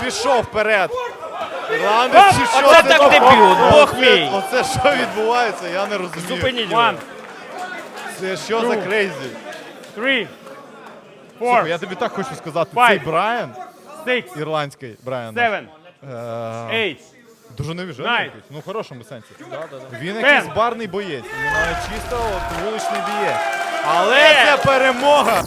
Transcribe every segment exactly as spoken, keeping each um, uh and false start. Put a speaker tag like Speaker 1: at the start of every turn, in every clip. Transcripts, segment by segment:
Speaker 1: пішов вперед. Ірландець, чи що
Speaker 2: Оце
Speaker 1: це
Speaker 2: так
Speaker 1: таке?
Speaker 2: дебют, Бог
Speaker 1: Оце-
Speaker 2: мій.
Speaker 1: Оце що відбувається, я не розумію.
Speaker 2: Зупиніть його.
Speaker 1: Це що за крейзі?
Speaker 2: Three.
Speaker 1: Слухай,
Speaker 2: Four.
Speaker 1: я тобі так хочу сказати,
Speaker 2: Five.
Speaker 1: цей Брайан,
Speaker 2: Six.
Speaker 1: ірландський Брайан,
Speaker 2: Seven.
Speaker 1: е,
Speaker 2: Eight.
Speaker 1: дуже невіжений
Speaker 2: Nine.
Speaker 1: якийсь, ну в хорошому сенсі. Він
Speaker 2: Ten.
Speaker 1: якийсь барний боєць, він має чисто от, вуличний бієць. Але це перемога!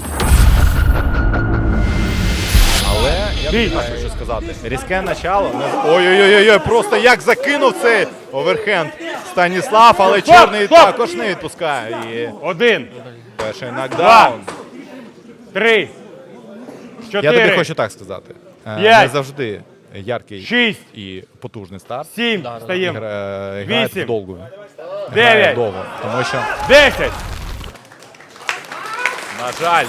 Speaker 1: Але я тобі так хочу сказати, різке начало. не- Ой-ой-ой, просто як закинув цей оверхенд Станіслав, але чорний
Speaker 2: стоп!
Speaker 1: також не відпускає. І
Speaker 2: Один.
Speaker 1: перший нокдаун.
Speaker 2: Три.
Speaker 1: Я
Speaker 2: Чотири.
Speaker 1: тобі хочу так сказати. Е,
Speaker 2: П'ять.
Speaker 1: Не завжди яркий
Speaker 2: Шість.
Speaker 1: і потужний старт.
Speaker 2: Сім. Стаємо.
Speaker 1: Гра- Грає
Speaker 2: Вісім.
Speaker 1: довго. Грає
Speaker 2: Дев'ять.
Speaker 1: довго. Тому що,
Speaker 2: Десять.
Speaker 1: на жаль,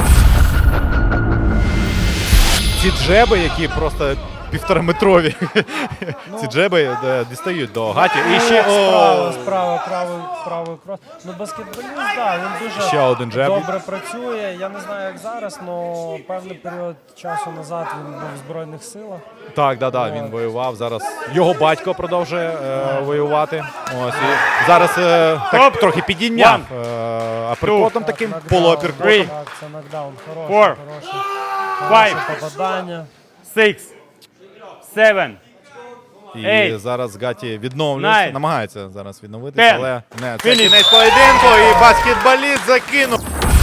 Speaker 1: ці джеби, які просто півтораметрові, ці джеби е, дістають до Гаті. І ще
Speaker 3: Справа,
Speaker 1: о,
Speaker 3: справа, правий, правий крос. Ну, баскетболіст, да, він дуже
Speaker 1: Ще один джеб.
Speaker 3: добре працює. Я не знаю, як зараз, але певний період часу назад він був в Збройних силах.
Speaker 1: так, да, да, він воював. Зараз його батько продовжує е, воювати. Ось і зараз е, так
Speaker 2: Стоп.
Speaker 1: трохи підійняв е, аперкотом
Speaker 3: Так,
Speaker 1: таким
Speaker 3: нокдаун.
Speaker 1: полуаперкотом.
Speaker 3: Так, це нокдаун. Хороший,
Speaker 2: Four.
Speaker 3: хороший.
Speaker 2: Five.
Speaker 3: Хороше попадання.
Speaker 2: Six. Seven.
Speaker 1: І
Speaker 2: Ей.
Speaker 1: зараз Гаті відновлюється,
Speaker 2: Nine.
Speaker 1: намагається зараз відновитися,
Speaker 2: Ten.
Speaker 1: але не, це
Speaker 2: Finish.
Speaker 1: кінець поєдинку і баскетболіст закинув.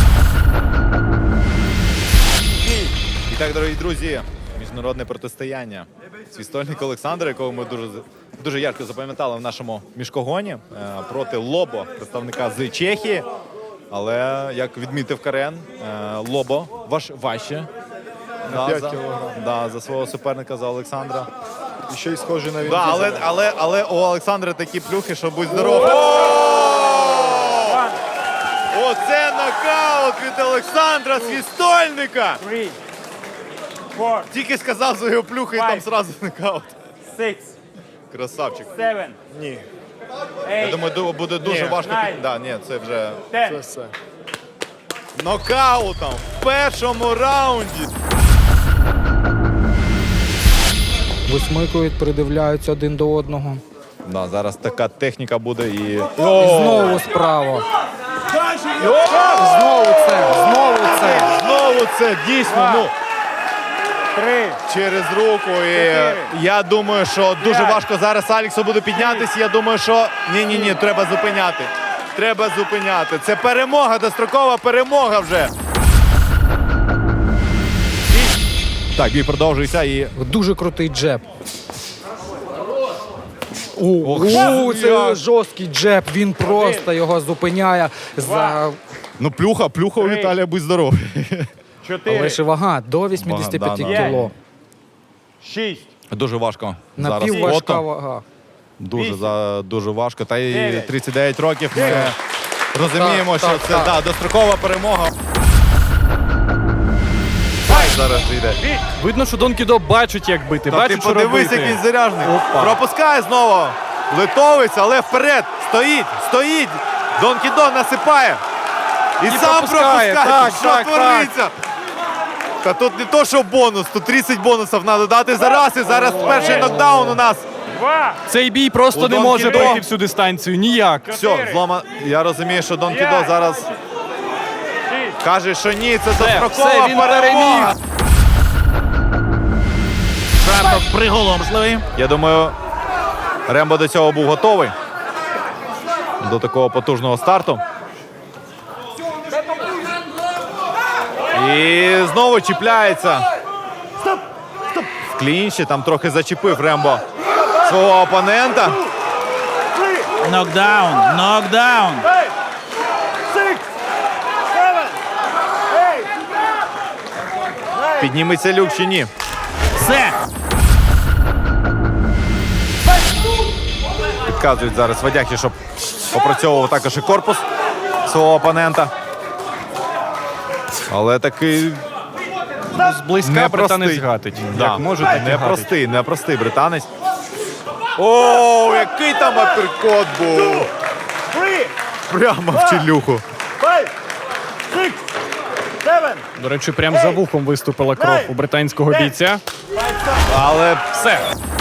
Speaker 1: І так, дорогі друзі, міжнародне протистояння. Свістольник Олександр, якого ми дуже, дуже ярко запам'ятали в нашому мішкогоні, е, проти Лобо, представника з Чехії. Але, як відмітив Карен, е, Лобо важ, важче. Да, за, да, за свого суперника, за Олександра.
Speaker 4: І ще й схожий на
Speaker 1: Да, але, але, але у Олександра такі плюхи, що будь здоров. Оце нокаут від Олександра Свістольника!
Speaker 2: Three. Four.
Speaker 1: Тільки сказав за його плюхи і там
Speaker 2: Five.
Speaker 1: зразу нокаут.
Speaker 2: Six.
Speaker 1: Красавчик.
Speaker 2: Seven.
Speaker 4: Ні,
Speaker 1: Я
Speaker 2: Eight.
Speaker 1: думаю, ду- буде дуже
Speaker 4: Ні.
Speaker 1: важко.
Speaker 2: Nine.
Speaker 1: Під... Да, ні, це вже
Speaker 4: це
Speaker 2: Ten.
Speaker 4: все.
Speaker 1: нокаутом в першому раунді.
Speaker 5: Висмикують, придивляються один до одного.
Speaker 1: Да, зараз така техніка буде і...
Speaker 5: І знову справа. Знову це, знову це.
Speaker 1: Знову це дійсно, ну,
Speaker 2: Три.
Speaker 1: через руку. І я думаю, що дуже
Speaker 2: П'ять.
Speaker 1: важко зараз Аліксу буде піднятися. Я думаю, що ні-ні-ні, треба зупиняти. Треба зупиняти. Це перемога, дострокова перемога вже. Так, бій продовжується і...
Speaker 5: Дуже крутий джеб.
Speaker 1: Ох,
Speaker 5: О, це
Speaker 1: як.
Speaker 5: жорсткий джеб, він просто його зупиняє. За...
Speaker 1: Ну, плюха, плюха у
Speaker 2: Три.
Speaker 1: Віталія, будь здоров.
Speaker 2: Чотири.
Speaker 5: Але ж вага до вісімдесят п'ять
Speaker 1: Вага, да,
Speaker 5: кіло.
Speaker 2: Шість.
Speaker 1: Дуже важко зараз
Speaker 5: Напівважка
Speaker 1: фото.
Speaker 5: вага.
Speaker 1: Дуже,
Speaker 2: Вісім.
Speaker 1: за, дуже важко. Та й
Speaker 2: Дев'ять.
Speaker 1: тридцять дев'ять років ми розуміємо,
Speaker 5: Так,
Speaker 1: що
Speaker 5: так,
Speaker 1: це
Speaker 5: так.
Speaker 1: Да, дострокова перемога. Ай, зараз йде.
Speaker 6: Видно, що Дон Кідо бачить, як бити,
Speaker 1: Та ти
Speaker 6: бачить, що
Speaker 1: подивись,
Speaker 6: робити.
Speaker 1: як він заряжений.
Speaker 6: Опа.
Speaker 1: Пропускає знову литовець, але вперед. Стоїть, стоїть. Дон Кідо насипає. І, сам
Speaker 6: пропускає.
Speaker 1: пропускає.
Speaker 6: Так,
Speaker 1: що
Speaker 6: так,
Speaker 1: твориться? Та тут не то, що бонус, тут тридцять бонусів треба дати зараз. І зараз перший нокдаун у нас.
Speaker 2: Два.
Speaker 6: Цей бій просто
Speaker 1: У
Speaker 6: не
Speaker 1: Дон
Speaker 6: може
Speaker 1: Кідо.
Speaker 6: пройти всю дистанцію. Ніяк.
Speaker 1: Все, злома. Я розумію, що Дон Кідо
Speaker 2: П'ять.
Speaker 1: зараз
Speaker 2: Шість.
Speaker 1: каже, що ні, це
Speaker 6: все,
Speaker 1: дострокова
Speaker 6: він
Speaker 1: перемога.
Speaker 6: переміг.
Speaker 7: Шартов приголомшливий.
Speaker 1: Я думаю, Рембо до цього був готовий. До такого потужного старту. І знову чіпляється. В клінчі там трохи зачепив Рембо свого опонента.
Speaker 7: Нокдаун, нокдаун.
Speaker 1: Підніметься люк чи ні?
Speaker 7: Все.
Speaker 1: Підказують зараз Вадяхі, щоб опрацьовував також і корпус свого опонента. Але такий
Speaker 6: Зблизька
Speaker 1: непростий.
Speaker 6: британець гатить.
Speaker 1: Да.
Speaker 6: Як може, так і гатить.
Speaker 1: Непростий, непростий британець. О, який там аперкот був! Прямо в челюху.
Speaker 6: До речі, прямо за вухом виступила кров у британського бійця.
Speaker 1: Але
Speaker 6: Все.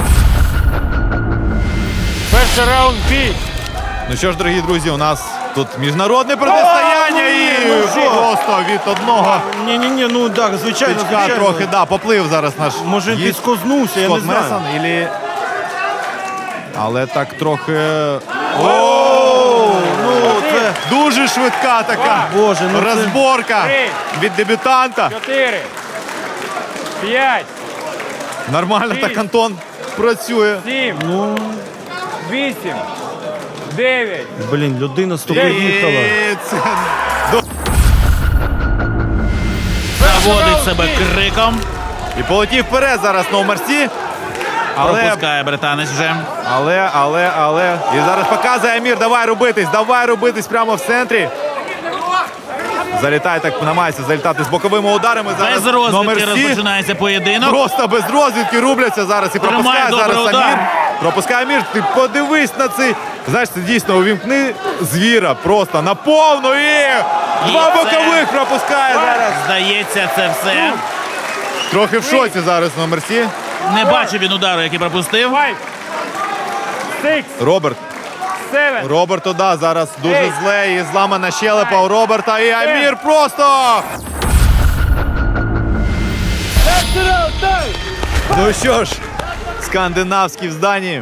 Speaker 2: Перший раунд бій.
Speaker 1: ну що ж, дорогі друзі, у нас тут міжнародне протистояння і просто від одного
Speaker 4: Ні-ні-ні, ну так, звичайно,
Speaker 1: тичка
Speaker 4: звичайно.
Speaker 1: трохи, да, поплив зараз наш
Speaker 4: Може, він
Speaker 1: гість
Speaker 4: підскознувся, я не
Speaker 1: Скотт
Speaker 4: знаю.
Speaker 1: Мессон, ілі... Але так трохи... О,
Speaker 4: Ну, це...
Speaker 1: дуже швидка така
Speaker 4: Боже, ну це...
Speaker 1: розборка
Speaker 2: Три.
Speaker 1: від дебютанта.
Speaker 2: Чотири. П'ять.
Speaker 1: Нормально
Speaker 2: Шість.
Speaker 1: так Антон працює.
Speaker 2: Сім.
Speaker 4: Ну,
Speaker 2: Вісім. Дев'ять.
Speaker 4: блін, людина з тобою
Speaker 2: Дев'ять.
Speaker 4: їхала.
Speaker 1: І це...
Speaker 7: Заводить себе криком.
Speaker 1: І полетів вперед зараз Ноумарсі. Але,
Speaker 7: Пропускає британець вже.
Speaker 1: але, але, але. І зараз показує Амір, давай робитись, давай робитись прямо в центрі. Залітає так, намагається залітати з боковими ударами. Зараз
Speaker 7: Без розвідки
Speaker 1: Номер Сі.
Speaker 7: розпочинається поєдинок.
Speaker 1: Просто без розвідки рубляться зараз і
Speaker 7: Тримає
Speaker 1: пропускає
Speaker 7: добрий
Speaker 1: зараз
Speaker 7: удар.
Speaker 1: Амір. Пропускає Амір. Ти подивись на цей. Знаєш, це дійсно увімкни звіра просто на повну і два
Speaker 7: це-
Speaker 1: бокових пропускає зараз.
Speaker 7: Здається, це все.
Speaker 1: Трохи в шоці зараз Номер Сі.
Speaker 7: Не бачив він удару, який пропустив.
Speaker 2: Five. Six.
Speaker 1: Роберт.
Speaker 2: Seven.
Speaker 1: Роберту, да, зараз дуже
Speaker 2: Ей.
Speaker 1: зле і зламана щелепа у Роберта. І Амір просто. Ну що ж, скандинавський в зданні.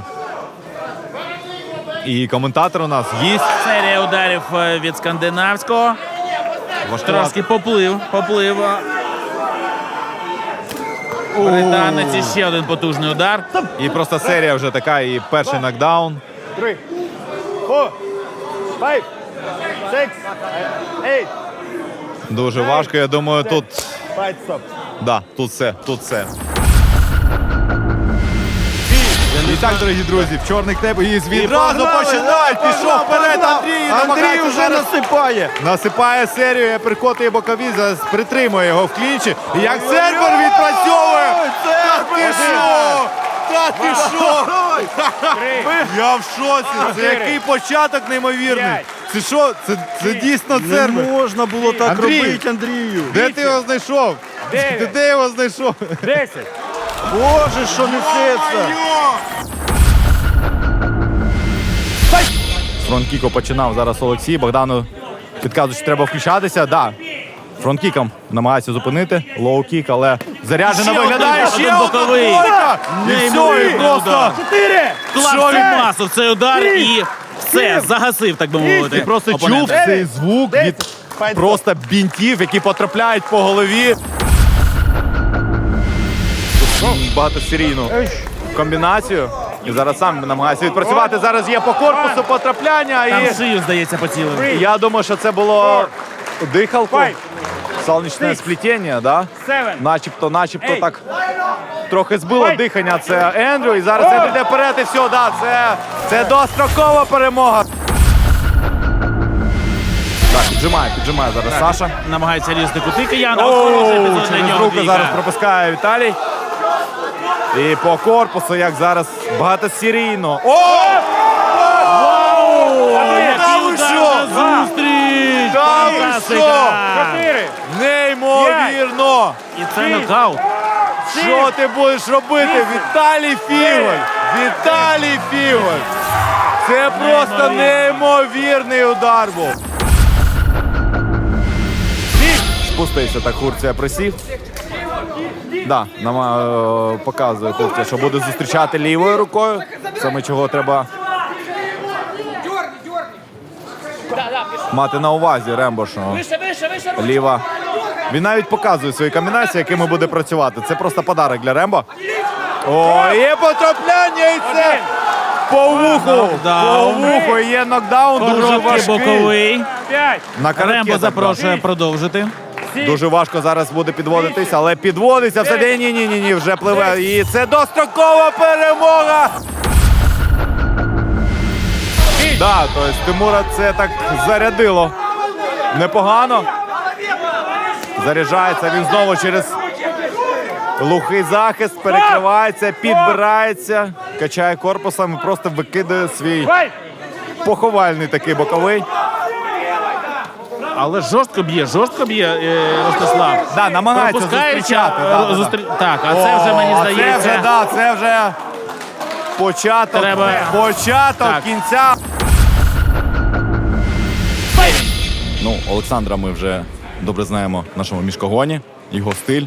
Speaker 1: І коментатор у нас гість.
Speaker 7: Серія ударів е, від скандинавського. Трошки поплив, поплив. Британець і ще один потужний удар.
Speaker 1: І просто серія вже така, і перший нокдаун.
Speaker 2: Three. Four. Five. Six. Eight.
Speaker 1: Дуже важко, я думаю, тут.
Speaker 2: Fight stop.
Speaker 1: Да, тут все, тут все. І так, дорогі друзі, в чорний кнеп і відразу
Speaker 4: погнали!
Speaker 1: починають. Пішов вперед Андрій.
Speaker 4: Андрій
Speaker 1: намагається
Speaker 4: вже
Speaker 1: зараз
Speaker 4: насипає.
Speaker 1: Насипає серію, перекотує бокові, зараз притримує його в клінчі. І як сервер відпрацьовує! Та ти що? Та ти що? Я в шоці. Це який початок неймовірний. Це що? Це, це дійсно
Speaker 4: Не
Speaker 1: сервер.
Speaker 4: можна було так
Speaker 1: Андрій!
Speaker 4: робити, Андрію.
Speaker 1: Де ти його знайшов?
Speaker 2: Дев'ять.
Speaker 1: Ти де його знайшов?
Speaker 2: Десять.
Speaker 4: Боже, що несеться.
Speaker 1: З фронт-кіку починав зараз Олексій. Богдану підказує, що треба включатися. Да. Фронт-кіком намагається зупинити. Лоу-кік, але заряджено
Speaker 7: Ще
Speaker 1: виглядає.
Speaker 7: один,
Speaker 1: Ще
Speaker 7: один
Speaker 1: одна
Speaker 7: боковий.
Speaker 1: тройка. І все, і
Speaker 7: Неймовірний
Speaker 1: просто.
Speaker 7: удар.
Speaker 2: Чотири.
Speaker 7: Клав масу в цей удар і все, загасив, так би мовити.
Speaker 1: Ти просто чув
Speaker 7: опонента.
Speaker 1: цей звук від просто бінтів, які потрапляють по голові. Тут багатосерійну комбінацію. І зараз сам намагається відпрацювати. Зараз є по корпусу потрапляння.
Speaker 7: Там
Speaker 1: І
Speaker 7: шию, здається, поцілив.
Speaker 1: я думаю, що це було дихалку.
Speaker 2: Five.
Speaker 1: Сонячне сплетіння, да?
Speaker 2: Seven.
Speaker 1: Начебто, начебто
Speaker 2: Ей.
Speaker 1: так трохи збило
Speaker 2: Ой.
Speaker 1: дихання. Це Ендрю. І зараз Ендрю йде вперед і все, да, це, це дострокова перемога. Так, піджимає, піджимає зараз Саша.
Speaker 7: Намагається різати кути кияна.
Speaker 1: Оу,
Speaker 7: Хороший епізод для
Speaker 1: через
Speaker 7: нього
Speaker 1: руку
Speaker 7: бійка.
Speaker 1: зараз пропускає Віталій. І по корпусу, як зараз багатосерійно. О!
Speaker 7: Який
Speaker 1: Та ви
Speaker 7: удар
Speaker 1: що?
Speaker 7: на зустріч!
Speaker 1: Та ви
Speaker 7: Фантастика!
Speaker 1: що?
Speaker 2: Чотири.
Speaker 1: Неймовірно!
Speaker 7: І це нокаут.
Speaker 1: Що ти будеш робити? Віталій Фіголь! Віталій Фіголь! Це просто неймовірний удар був. Спустився так Хурція присів. Да, нам е, показує Хурція, що буде зустрічати лівою рукою. Саме чого треба мати на увазі Рембо, що ліва. Він навіть показує свої комбінації, якими буде працювати. Це просто подарок для Рембо. О, є потрапляння і це по вуху. По
Speaker 7: Нокдаун.
Speaker 1: вуху є нокдаун, дуже
Speaker 7: Короткий
Speaker 1: важкий.
Speaker 7: боковий.
Speaker 2: П'ять.
Speaker 1: На коротке
Speaker 7: Рембо
Speaker 1: так,
Speaker 7: запрошує продовжити.
Speaker 2: Сім.
Speaker 1: Дуже важко зараз буде підводитись, але підводиться все. Ні, ні, ні, ні, ні, вже пливе. І це дострокова перемога. Да, тобто Тимура це так зарядило. Непогано. Заряджається він знову через глухий захист, перекривається, підбирається, качає корпусом і просто викидає свій
Speaker 2: Five.
Speaker 1: поховальний такий боковий.
Speaker 7: Але жорстко б'є, жорстко б'є е, Ростислав.
Speaker 1: Да, намагається
Speaker 7: Пропускаючи,
Speaker 1: зустрічати.
Speaker 7: е,
Speaker 1: Да, да, да.
Speaker 7: зустрі- Так, а це вже, мені
Speaker 1: О,
Speaker 7: здається,
Speaker 1: Це вже, да, це вже початок,
Speaker 7: Треба-
Speaker 1: початок
Speaker 7: Так.
Speaker 1: кінця. Ну, Олександра ми вже добре знаємо в нашому міжкогоні, його стиль.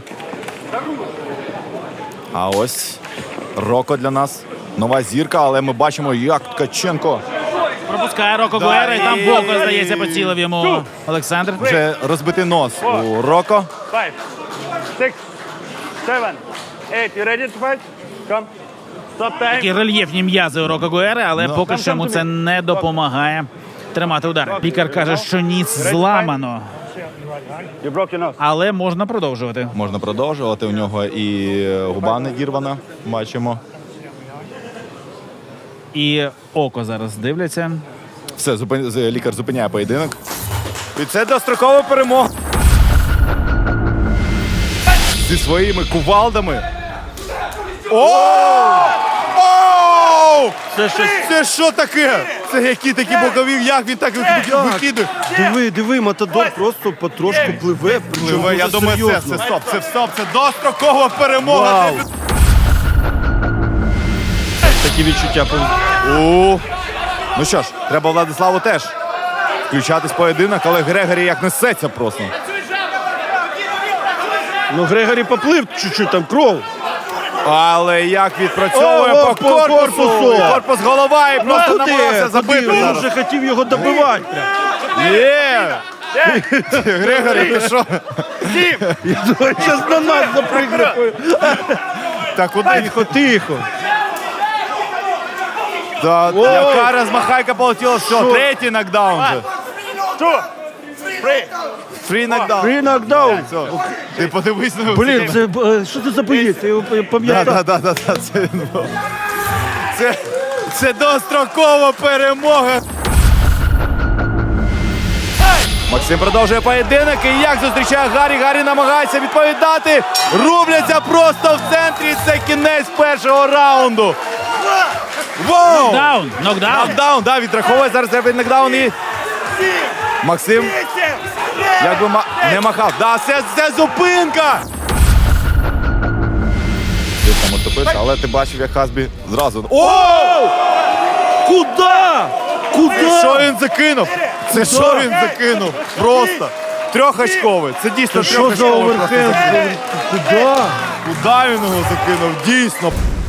Speaker 1: А ось Роко для нас. Нова зірка, але ми бачимо, як Ткаченко
Speaker 7: пропускає Роко
Speaker 1: Да,
Speaker 7: Гуера, і там
Speaker 1: і-
Speaker 7: боку, здається, поцілив йому Олександр.
Speaker 1: вже розбитий нос у Роко.
Speaker 2: Five, six, seven, eight. You ready to fight? Come. Stop time.
Speaker 7: Такі рельєфні м'язи у Роко Гуери, але
Speaker 1: Ну.
Speaker 7: поки що йому це не допомагає тримати удар. Пікар каже, що ніс зламано,
Speaker 2: You broke your nose.
Speaker 7: але можна продовжувати.
Speaker 1: Можна продовжувати. У нього і губа не дірвана. Бачимо.
Speaker 7: І око зараз дивляться.
Speaker 1: Все, зупин... з- лікар зупиняє поєдинок. І це дострокова перемога. Зі своїми кувалдами. О! О!
Speaker 4: Це щось.
Speaker 1: Це що таке? Це які такі бокові, як він так викидує?
Speaker 4: Диви, диви, Матадор просто потрошку пливе. Причому
Speaker 1: Пливе, я
Speaker 4: дуже
Speaker 1: думаю, це,
Speaker 4: серйозно.
Speaker 1: це стоп, це стоп, це дострокова перемога.
Speaker 4: Вау. Такі відчуття.
Speaker 1: У. Ну що ж, треба Владиславу теж включатись в поєдинок, але Грегорі як несеться просто.
Speaker 4: Ну, Грегорі поплив чуть-чуть, там кров.
Speaker 1: Але як відпрацьовує
Speaker 4: О,
Speaker 1: по
Speaker 4: о, по
Speaker 1: корпусу.
Speaker 4: корпусу.
Speaker 1: Корпус голова і просто
Speaker 4: Куди?
Speaker 1: намагався
Speaker 4: Куди?
Speaker 1: забити.
Speaker 4: Він
Speaker 1: зараз.
Speaker 4: вже хотів його добивати. прям.
Speaker 1: Є! Грегорі, ти що?
Speaker 4: Я думаю, зараз на нас запригне.
Speaker 1: Та куди?
Speaker 4: Тихо, тихо.
Speaker 1: Та,
Speaker 4: О!
Speaker 1: яка розмахайка полетіла, все,
Speaker 4: Що?
Speaker 1: третій нокдаун же.
Speaker 2: Two, three.
Speaker 1: Фрі нокдаун.
Speaker 4: Фрі нокдаун.
Speaker 1: Все. Ти подивись на
Speaker 4: Блін, це е, що це за боєць? Я його
Speaker 1: Да,
Speaker 4: пам'ятаю.
Speaker 1: да, да, да, да, це він був. Це, це дострокова перемога. Максим продовжує поєдинок. І як зустрічає Гаррі. Гаррі намагається відповідати. Рубляться просто в центрі. Це кінець першого раунду. Воу!
Speaker 7: Нокдаун, нокдаун.
Speaker 1: Нокдаун, да, відраховує зараз робить нокдаун і Максим якби ма... не махав. Да, це, це зупинка! Ти там отопиш, але ти бачив, як Хасбі зразу. О!
Speaker 4: Куда? Куда?
Speaker 1: Що він закинув? Це що він закинув? Просто. Трьохочковий. Це дійсно
Speaker 4: Що за
Speaker 1: трьохочковий.
Speaker 4: оверхенд? Куда?
Speaker 1: Куди він його закинув? Дійсно.